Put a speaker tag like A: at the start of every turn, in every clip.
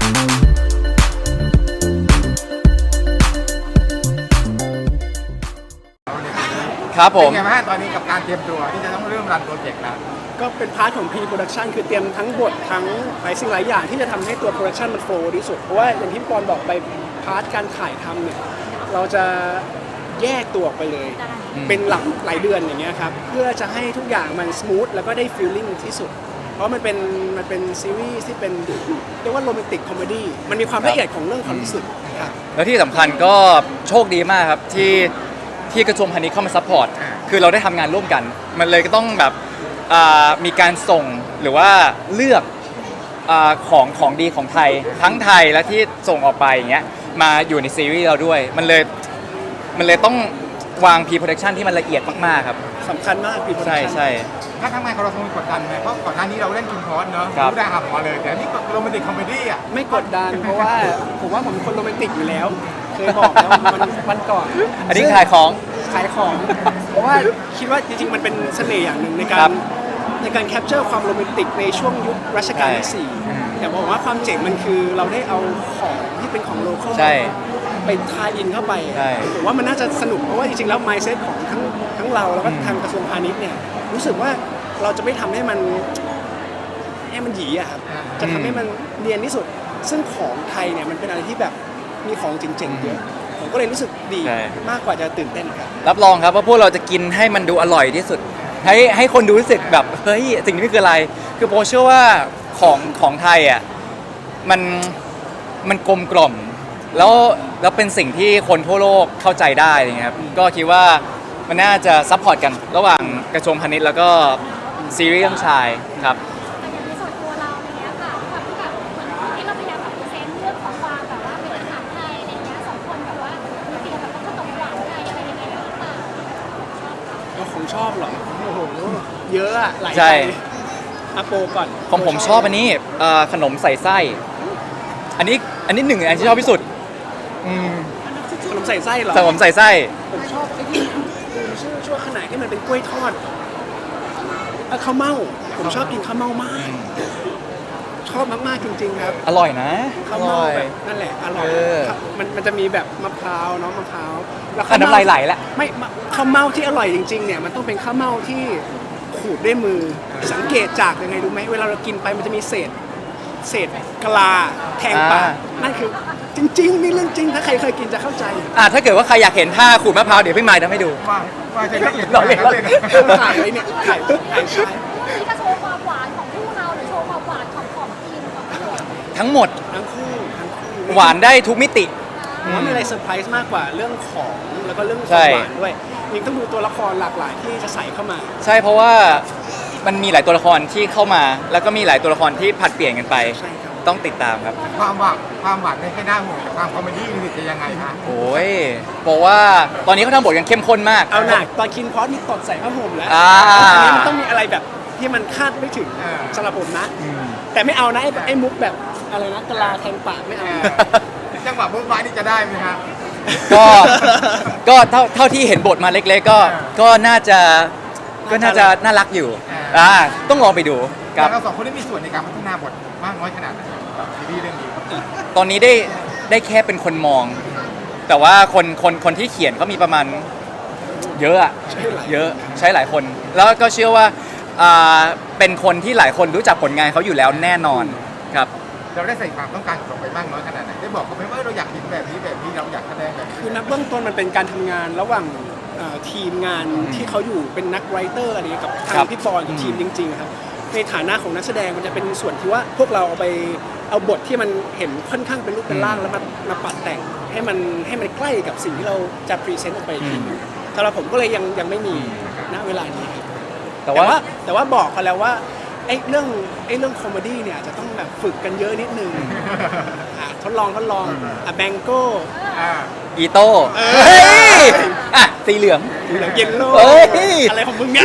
A: ครับผม
B: เป็นไงบ้างตอนนี้กับการเตรียมตัวที่จะต้องเริ่มรันโปรเจกต์แล้ว
C: ก็เป็นพาร์ทของ pre-production คือเตรียมทั้งบททั้งหลายสิ่งหลายอย่างที่จะทำให้ตัว production มันโฟล์ที่สุดเพราะว่าอย่างที่พี่ปอนบอกไปพาร์ทการถ่ายทำเนี่ยเราจะแยกตัวออกไปเลย เป็นหลายเดือนอย่างเงี้ยครับเพื่อจะให้ทุกอย่างมัน smooth แล้วก็ได้ feeling ที่สุดเพราะมันเป็นซีรีส์ที่เป็นเรียกว่าโรแมนติกคอมเมดี้มันมีความละเอียดของเรื่องความรู้สึกครับ
A: แล้วที่สำคัญก็โชคดีมากครับที่กระทรวงพาณิชย์เข้ามาซัพพอร์ตคือเราได้ทำงานร่วมกัน มันเลยก็ต้องแบบมีการส่งหรือว่าเลือกของดีของไทยทั้งไทยและที่ส่งออกไปอย่างเงี้ยมาอยู่ในซีรีส์เราด้วยมันเลยต้องวาง pre-production ที่มันละเอียดมากๆครับ
C: สำคัญมาก pre-production
A: ใช่
B: ถ้าทำงานของเราคงกดดันไหมเพราะก่อนหน้านี้เราเล่นกินคอร์สเนอะรู้ได้หับมาเลยแต่นี่โรแมนติกคอมเมดี้อ่ะ
C: ไม่กดดันเพราะว่าผมว่าผมเป็นคนโรแมนติกอยู่แล้วเคยบอกแล้ววันก่อน
A: อันนี้ขายของ
C: เพราะว่าคิดว่าจริงๆมันเป็นเสน่ห์อย่างหนึ่งในการแคปเจอร์ความโรแมนติกในช่วงยุครัชกาลที่4แต่บอกว่าความเจ๋งมันคือเราได้เอาของที่เป็นของโลคอลไปทายอินเข้าไปผมว่ามันน่าจะสนุกเพราะว่าจริงๆแล้ว mindset ของทั้งเราแล้วก็ทางกระทรวงพาณิชย์เนี่ยรู้สึกว่าเราจะไม่ทำให้มันหยีอะครับจะทำให้มันเนียนที่สุดซึ่งของไทยเนี่ยมันเป็นอะไรที่แบบมีของเจ๋งๆเยอะผมก็เลยรู้สึกดีมากกว่าจะตื่นเต้นครับ
A: รับรองครับว่าพวกเราจะกินให้มันดูอร่อยที่สุดให้คนดูรู้สึกแบบเฮ้ยสิ่งนี้คืออะไรคือโปเชื่อว่าของไทยอ่ะมันกลมกล่อมแล้วเป็นสิ่งที่คนทั่วโลกเข้าใจได้นะครับก็คิดว่ามันน่าจะซัพพอร์ตกันระหว่างกระทรวงพาณิชย์แล้วก็ซีรีส์เรื่องชายครับ
D: แต่ในส่วนตัวเราเนี้ยค่ะแบบเหมือนที่เราพยายามแบบเซนเรื่องของความแบบว่าเป็นอาหารไทยอะไรเงี้ยสองคนแบบว่ามีเกี่ยวกับขนมหวานไทยอะไรยังไงหรือเปล่า
C: ก็ของชอบเหรอโอ้โหเยอะอะหลาย
A: ใช่
C: อาโปก่อน
A: ของผมชอบอันนี้ขนมใส่ไส้อันนี้หนึ่งอันที่ชอบที่สุด
C: ขนมใส่ไส้เหรอ
A: ขนมใส่ไส้
C: ผมชอบไอ้ที่ชื่อชั่วขนาดที่มันเป็นกล้วยทอดข้าวเม่าผมชอบกินข้าวเม่ามากชอบมากๆจริงๆครับ
A: อร่อยนะ
C: ข้าวเม่าแบบนั่นแหละอร่อยมันจะมีแบบมะพร้าวเนาะมะพร้าว
A: แล้วน้ำลายไหลละ
C: ไม่ข้าวเม่าที่อร่อยจริงๆเนี่ยมันต้องเป็นข้าวเม่าที่ขูดด้วยมือสังเกตจากยังไงรู้ไหมเวลาเรากินไปมันจะมีเศษกะลาแทงปากนั่นคือจริงๆนี่เรื่องจริงถ้าใครเคยกินจะเข้าใจ
A: ถ้าเกิดว่าใครอยากเห็นท่าขูดมะพร้าวเดี๋ยวพี่มายทำให้ดู
B: ว่าจะละเอียด
A: หล่อเลย
C: ถ่ายไว้เนี่ยถ่ายใช่
D: นี่จะโชว์ความหวานของคู่เราหรือโชว์ความหวานของทีมก่อน
A: ทั้งหมด
C: ทั้งคู่
A: หวานได้ทุกมิติ
C: ผมว่ามีอะไรเซอร์ไพรส์มากกว่าเรื่องของแล้วก็เรื่องความหวานด้วยยิ่งต้องดูตัวละครหลากหลายที่จะใส่เข้ามา
A: ใช่เพราะว่ามันมีหลายตัวละครที่เข้ามาแล้วก็มีหลายตัวละครที่ผัดเปลี่ยนกันไปต้องติดตามครับ
B: ความหวานไม่ค่อยน่าห่วงแต่ความคอมเมดี้นี่จะยังไงคะ
A: โอ้ยบอกว่าตอนนี้เขาทำบทกันเข้มข้นมาก
C: เอาหนักตอนคินพอสมีตดใส่ผ้าห่มแล้วอันนี้มันต้องมีอะไรแบบที่มันคาดไม่ถึงสำหรับผมนะแต่ไม่เอานะไอ้มุกแบบอะไรนะกะลาแทงปากไม่เอา
B: จังหวะบุ๊คไม้นี่จะได้ไหมครับ
A: ก็เท่าที่เห็นบทมาเล็กๆก็น่าจะน่ารักอยู่ต้องลองไปดู
B: ครับเราสองคนได้มีส่วนในการพัฒนาบทมากน้อยขนาดไหนซีรีส์เรื่องนี้
A: ตอนนี้ได้แค่เป็นคนมองแต่ว่าคนที่เขียนก็มีประมาณเยอะใช้หลายคนแล้วก็เชื่อว่าเป็นคนที่หลายคนรู้จักผลงานเขาอยู่แล้วแน่นอนครับ
B: เราได้ใส่ความต้องการของเราไปบ้างน้อยขนาดไหนได้บอกเขาไหมว่าเราอยากเห็นแบบนี้เราอยากแสดงแบบนี้
C: คือนักเบื้องต้นมันเป็นการทำงานระหว่างทีมงานที่เขาอยู่เป็นนักไรเตอร์อะไรกับทางพี่ปอนกับทีมจริงๆครับในฐานะของนักแสดงมันจะเป็นส่วนที่ว่าพวกเราเอาบทที่มันเห็นค่อนข้างเป็นรูปเป็นร่างแล้วมาปัดแต่งให้มันใกล้กับสิ่งที่เราจะพรีเซนต์ออกไปทีสำหรับผมก็เลยยังไม่มีณเวลานี้ครับแต่ว่าบอกเขาแล้วว่าไอ้เรื่องคอมเมดี้เนี่ยจะต้องแบบฝึกกันเยอะนิดนึงทดลองแบงโก้
A: อีโต้สีเหลือง
C: เยลโล่อะไรของมึงเนี่ย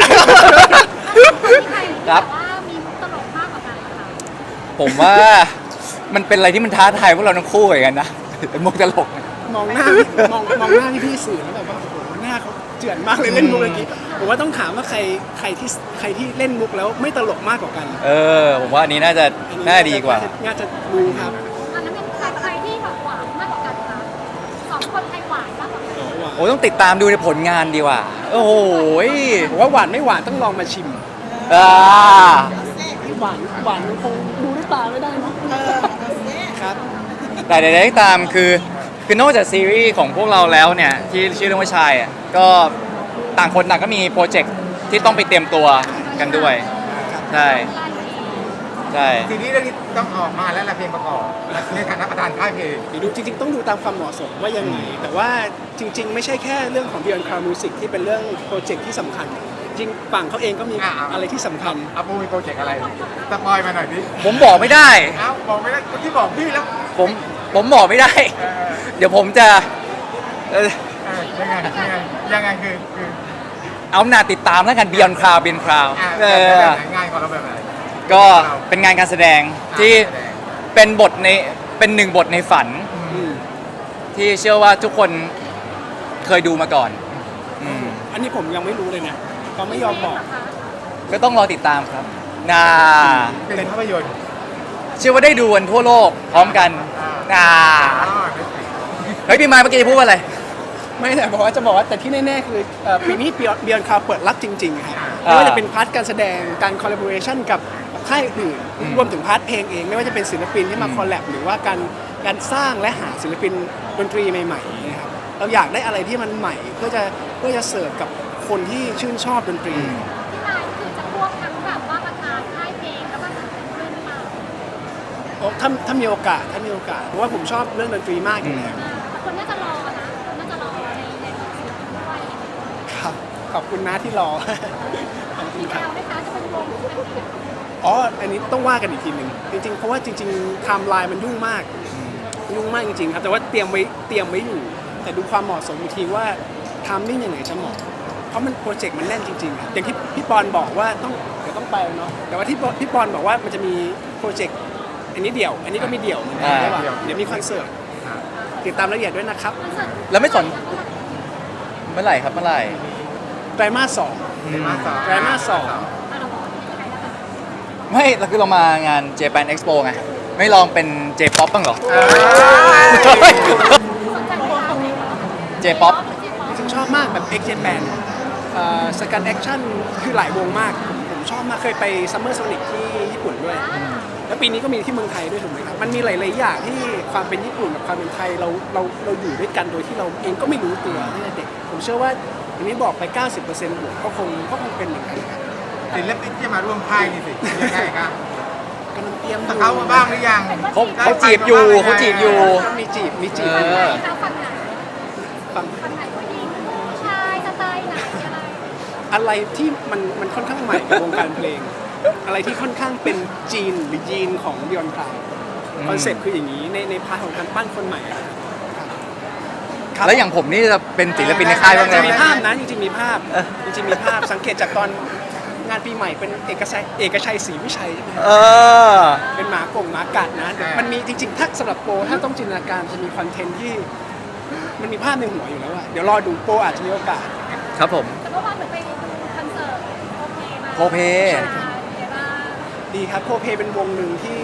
A: ครับ
D: มีมุกตลกมากกว่ากันค่ะ
A: ผมว่ามันเป็นอะไรที่มันท้าทายพวกเราทั้งคู่เหมือนกันนะเป็นมุกตลก
C: มองหน้าพี่สื่อแล้วแบบว่าโอ้โหหน้าเขาเจือนมากเลยเล่นมุกเมื่อกี้ผมว่าต้องถามว่าใครที่เล่นมุกแล้วไม่ตลกมากกว่ากัน
A: ผมว่าอันนี้น่าดีกว่า
C: น่าจะดูครับ
D: อันนั้นในคนไทยหวานมากกว่ากัน
A: โอ้ต้องติดตามดูในผลงานดีกว่า โอ้โหย
C: ผมว่าหวานไม่หวานต้องลองมาชิม
A: อ่า
C: หวานมันคงดูด้วยตาไม่ได้เนาะครับ
A: แต่ใดๆก็ตามคือนอกจากซีรีส์ของพวกเราแล้วเนี่ยที่ชื่อเรื่องว่าชายอ่ะก็ต่างคนต่างก็มีโปรเจกต์ที่ต้องไปเตรียมตัวกันด้วยใช่ใช่
B: ทีนี้เรื่องนี้ต้องออกมาแล้วละเพลงประกอบในฐานะประธานค่ายเพลง
C: ดูจริงๆต้องดูตามความเหมาะสมว่ายังไงแต่ว่าจริง ๆ ไม่ใช่แค่เรื่องของ Beyond Cloud Music ที่เป็นเรื่องโปรเจกต์ที่สำคัญ จริงฝั่งเขาเองก็มีอะไรที่สำคัญ
B: อาปูมีโปรเจกต์อะไรสปอยมาหน่อยดิ
A: ผมบอกไม่ได้
B: เอ้าบอกไม่ได้คนที่บอกพี่แล้ว
A: ผมบอกไม่ได้
B: เออ
A: เดี๋ยวผมจะ
B: ยังไงคือ
A: เอาหน้าติดตามแล้วกัน Beyond Cloud Beyond Cloud
B: แบบไหนง่ายกว่าเราแบบไหน
A: ก็เป็นงานการแสดงที่เป็นบทในเป็นหนึ่งบทในฝัน ที่เชื่อว่าทุกคนเคยดูมาก่อนอืม
C: อันนี้ผมยังไม่รู้เลยนะเขาไม่ยอมบอก
A: ก็ต้องรอติดตามครับน่า
B: เป็นภาพยนตร์
A: เชื่อว่าได้ดูกันทั่วโลกพร้อมกันน่าเฮ้ยพี่ไม้เมื่อกี้จะพูดว่าอะไร
C: ไม่แต่บอกว่าจะบอกว่าแต่ที่แน่ๆคือปีนี้ Beyond Cloud เปิดรับจริงๆครับ
A: อ่า
C: ไม่ว่าจะเป็นพาร์ทการแสดงการคอลลาบอเรชันกับค่ายอื่นรวมถึงพาร์ทเพลงเองไม่ว่าจะเป็นศิลปินที่มาคอลแลบหรือว่าการสร้างและหาศิลปินดนตรีใหม่ๆนะครับเราอยากได้อะไรที่มันใหม่เพื่อจะเสิร์ฟกับคนที่ชื่นชอบดนตรี
D: พี่นายคือจะควบทั้งแบบว่าประธานค่ายเพลงแล้วก็ศิลปินด้วยหรือเปล่า
C: ถ้ามีโอกาสเพราะว่าผมชอบเรื่องดนตรีมากอยู่แล้ว
D: แต่คนน่าจะรอนะคนน่าจะรอในศิลปินด้วย
C: ครับขอบคุณนะที่รอ ขอบคุณ
D: มี
C: ค
D: แว
C: รับ
D: วไหมคะจะเป็นวงหรือเป็นเดี่ยว
C: อ๋ออันนี้ต้องว่ากันอีกทีหนึ่งจริงๆเพราะว่าจริงๆไทม์ไลน์มันยุ่งมากจริงๆครับแต่ว่าเตรียมไว้อยู่ แต่ดูความเหมาะสมอีกทีว่าทำมิ่งยังไงจะเหมาะเพราะมันโปรเจกต์มันแน่นจริงๆครับอย่างที่พี่ปอนบอกว่าเดี๋ยวต้องไปเนาะแต่ว่าที่พี่ปอนบอกว่ามันจะมีโปรเจกต์อันนี้เดี่ยว อันนี้ก็มีเดี่ยวเหมือนกันใช่ป่ะเดี๋ยวมีคอนเสิร์ตติดตามรายละเอียดด้วยนะครับ
A: แล้วไม่สนเมื่อไหร่ครับเมื่อไหร่
C: ไตรมาส ไตรมาส
A: ไม่เราคือเรามางาน Japan Expo ไงไม่ลองเป็น J-pop บ้างเหรอ J-pop
C: จริงๆชอบมากแบบ X Japan สกันแอคชั่นคือหลายวงมากผมชอบมากเคยไปซัมเมอร์โซนิกที่ญี่ปุ่นด้วย แล้วปีนี้ก็มีที่เมืองไทยด้วยถูกไหมครับ มันมีหลายๆอย่างที่ความเป็นญี่ปุ่นกับความเป็นไทยเราอยู่ด้วยกันโดยที่เราเองก็ไม่รู้ตัวตั้งแต่เด็ก ผมเชื่อว่าอย่างนี้บอกไป 90%บวกก็คงเป็นเหมือนกันครับ
B: ศิลปินที่มาร่วมค่ายนี่สิยังไงครับ
C: กำลังเตรียม
B: สเขามาบ้างหรือยัง
A: เขาจีบอยู่เขาจีบอยู่
C: มีจีบ
A: เออ
D: ฝั่งไหน
C: ฟัง
D: ฝั่งไหนผู้หญิงผู้ชายสไตล์ไหนอะไร
C: อะไรที่มันค่อนข้างใหม่กับวงการเพลง อะไรที่ค่อนข้างเป็นจีนหรือยีนของ Beyond Cloud คอนเซ็ปต์คืออย่างนี้ในพาร์ทของการปั้นคนใหม่อะครับ
A: แล้วอย่างผมนี่จะเป็นศิลปินในค่ายบ้างไห
C: จะ
A: ม
C: มีภาพนะจริงๆมีภาพสังเกตจากตอนงานปีใหม่เป็นเอกชัยศรีวิชัยใช่ไหม
A: เออ
C: เป็นหมากัดนะมันมีจริงๆถ้าสำหรับโปรถ้าต้องจินตนาการจะมีคอนเทนต์ที่มันมีภาพในหัวอยู่แล้วอะเดี๋ยวรอดูโปรอาจจะมีโอกาส
A: ครับผม
D: แต่เมื่อวานเหมือนไปดูคอนเสิร์ตโอเคมา
A: โคเพ
D: ใช่เป็นไงบ้าง
C: ดีครับโคเพเป็นวงหนึ่งที่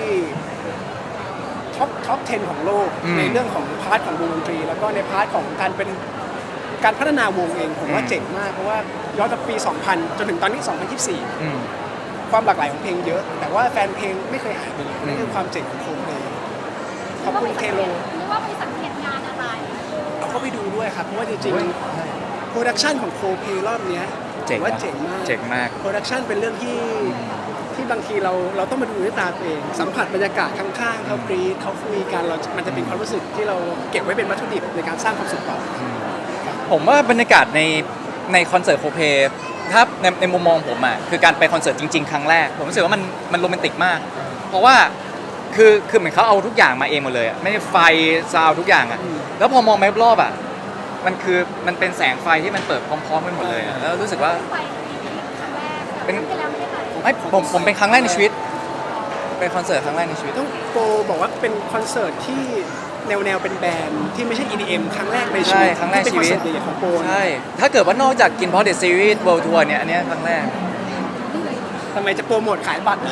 C: ท็อป 10 ของโลก ในเรื่องของพาร์ทของวงดนตรี แล้วก็ในพาร์ทของการพัฒนาวงเองผมว่าเจ๋งมาก เพราะว่าย้อนจากปี 2000 จนถึงตอนนี้ 2024
A: อืม
C: ความหลากหลายของเพลงเยอะ แต่ว่าแฟนเพลงไม่เคยหายไปเลยนั่นคือความเจ๋งของโคเพขอบคุณเทโล
D: หรือว่าไปสังเกตงานอะไร
C: เราก็ไปดูด้วยครับ เพราะว่าจริงๆโปรดักชันของโคเพรอบเนี้ย
A: เจ๋ง
C: ผมว่า
A: นะ
C: เจ๋งมาก
A: เจ๋งมาก
C: โปรดักชันเป็นเรื่องที่บางทีเราต้องมาดูด้วยตาตัวเอง สัมผัสบรรยากาศข้างๆเขากรีดเขาคุยกันมันจะเป็นความรู้สึกที่เราเก็บไว้เป็นวัตถุดิบในการสร้างความสุขต่อ
A: ผมว่าบรรยากาศในคอนเสิร์ตโคเพถ้าในมุมมองผมอ่ะคือการไปคอนเสิร์ตจริง ๆ ครั้งแรก ผมรู้สึกว่ามันโรแมนติกมาก เพราะว่าคือเหมือนเขาเอาทุกอย่างมาเองหมดเลยอะไม่ได้ไฟซาวด์ทุกอย่างอ่ะแล้วพอมองไปรอบๆอ่ะมันเป็นแสงไฟที่มันเปิดพร้อมๆกันหมดเลยอะแล้วรู้สึกว่า
D: ไปปีนี้ครั้งแรก
A: เป็น
D: ไปแล้วไม่ได้ไป
A: ผมเป็นครั้งแรกในชีวิตเป็นคอนเสิร์ตครั้งแรกในชีวิต
C: ต้องโปรบอกว่าเป็นคอนเสิร์ตที่แนวเป็นแบรนด์ที่ไม่ใช่ EDM ครั้งแรกในชี
A: ใช่
C: วิต
A: ครั้งแรก
C: ที่เป็น
A: ชี
C: คอน
A: วิต
C: เสิร์ตใหญ่ๆของโปร
A: ใช่ถ้าเกิดว่านอกจากกินพอเด ซีรีส์ World Tour เนี่ยอันเนี้ยครั้งแรก
C: ทำไมจะโปรโมทขายบัตร
D: โอเค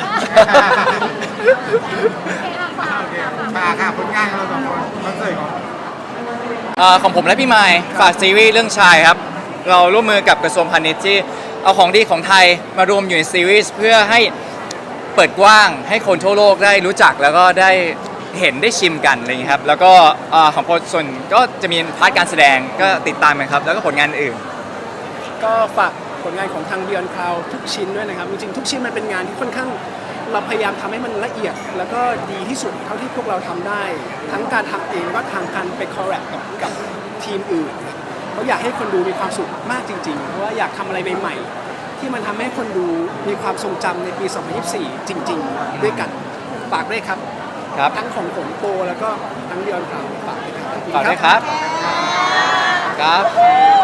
D: อ่ะฝาก
B: โอเค
D: ฝาก
B: มาค่ะผลงานของเราสองคนคอนเสิร์ตของ
A: ของผมและพี่ไมค์ฝากซีรีส์เรื่องชายครับ เราร่วมมือกับกระทรวงพาณิชย์ที่เอาของดีของไทยมารวมอยู่ในซีรีส์เพื่อให้เปิดกว้างให้คนทั่วโลกได้รู้จักแล้วก็ได้เห็นได้ชิมกันอะไรอย่างนี้ยครับแล้วก็ของพลส่วนก็จะมีพาร์ทการแสดงก็ติดตามกันครับแล้วก็ผลงานอื่น
C: ก็ฝากผลงานของทาง Beyond Cloud ทุกชิ้นด้วยนะครับจริงๆทุกชิ้นมันเป็นงานที่ค่อนข้างเราพยายามทำให้มันละเอียด แล้วก็ดีที่สุดเท่าที่พวกเราทำได้ ทั้งการทำเองแล้วก็ทางการไปคอลแลบกับทีมอื่นเพราะอยากให้คนดูมีความสุขมากจริงๆเพราะว่าอยากทำอะไรใหม่ๆที่มันทำให้คนดูมีความทรงจำในปี 2024 จริงๆ ด้วยกันฝากด้วยครับ
A: ครับ
C: ทั้งของผมโปแล้วก็ทั้ง Beyond Cloud ฝากด้วยครับ
A: ฝากด้วยครับครับ